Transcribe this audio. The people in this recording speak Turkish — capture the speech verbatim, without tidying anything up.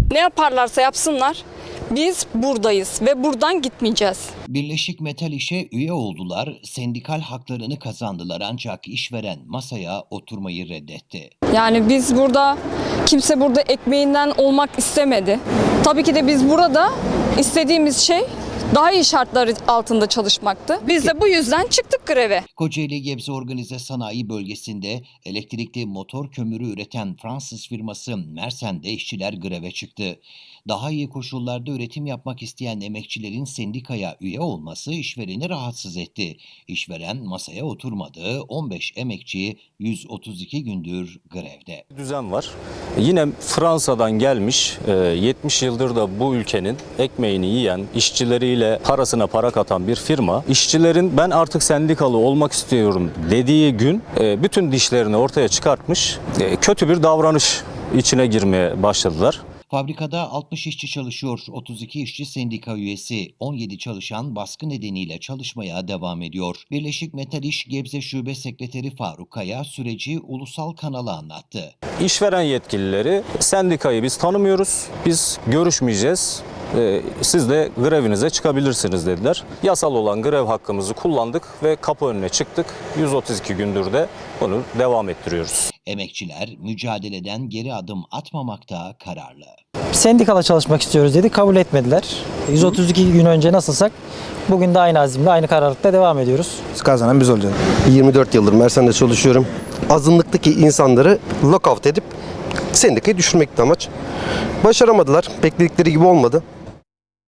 Ne yaparlarsa yapsınlar biz buradayız ve buradan gitmeyeceğiz. Birleşik Metal İş'e üye oldular, sendikal haklarını kazandılar ancak işveren masaya oturmayı reddetti. Yani biz burada, kimse burada ekmeğinden olmak istemedi. Tabii ki de biz burada istediğimiz şey daha iyi şartlar altında çalışmaktı. Biz de bu yüzden çıktık greve. Kocaeli Gebze Organize Sanayi Bölgesi'nde elektrikli motor kömürü üreten Fransız firması Mersen'de işçiler greve çıktı. Daha iyi koşullarda üretim yapmak isteyen emekçilerin sendikaya üye olması işvereni rahatsız etti. İşveren masaya oturmadı, on beş emekçi yüz otuz iki gündür grevde. Düzen var. Yine Fransa'dan gelmiş, yetmiş yıldır da bu ülkenin ekmeğini yiyen, işçileriyle parasına para katan bir firma, işçilerin ben artık sendikalı olmak istiyorum dediği gün bütün dişlerini ortaya çıkartmış, kötü bir davranış içine girmeye başladılar. Fabrikada altmış işçi çalışıyor, otuz iki işçi sendika üyesi, on yedi çalışan baskı nedeniyle çalışmaya devam ediyor. Birleşik Metal İş Gebze Şube Sekreteri Faruk Kaya süreci ulusal kanala anlattı. İşveren yetkilileri sendikayı biz tanımıyoruz, biz görüşmeyeceğiz, siz de grevinize çıkabilirsiniz dediler. Yasal olan grev hakkımızı kullandık ve kapı önüne çıktık. yüz otuz iki gündür de bunu devam ettiriyoruz. Emekçiler mücadeleden geri adım atmamakta kararlı. Sendikala çalışmak istiyoruz dedi, kabul etmediler. yüz otuz iki gün önce nasılsak bugün de aynı azimle, aynı kararlılıkla devam ediyoruz. Kazanan biz olacağız. yirmi dört yıldır Mersen'de çalışıyorum. Azınlıktaki insanları lockout edip sendikayı düşürmekti amaç. Başaramadılar. Bekledikleri gibi olmadı.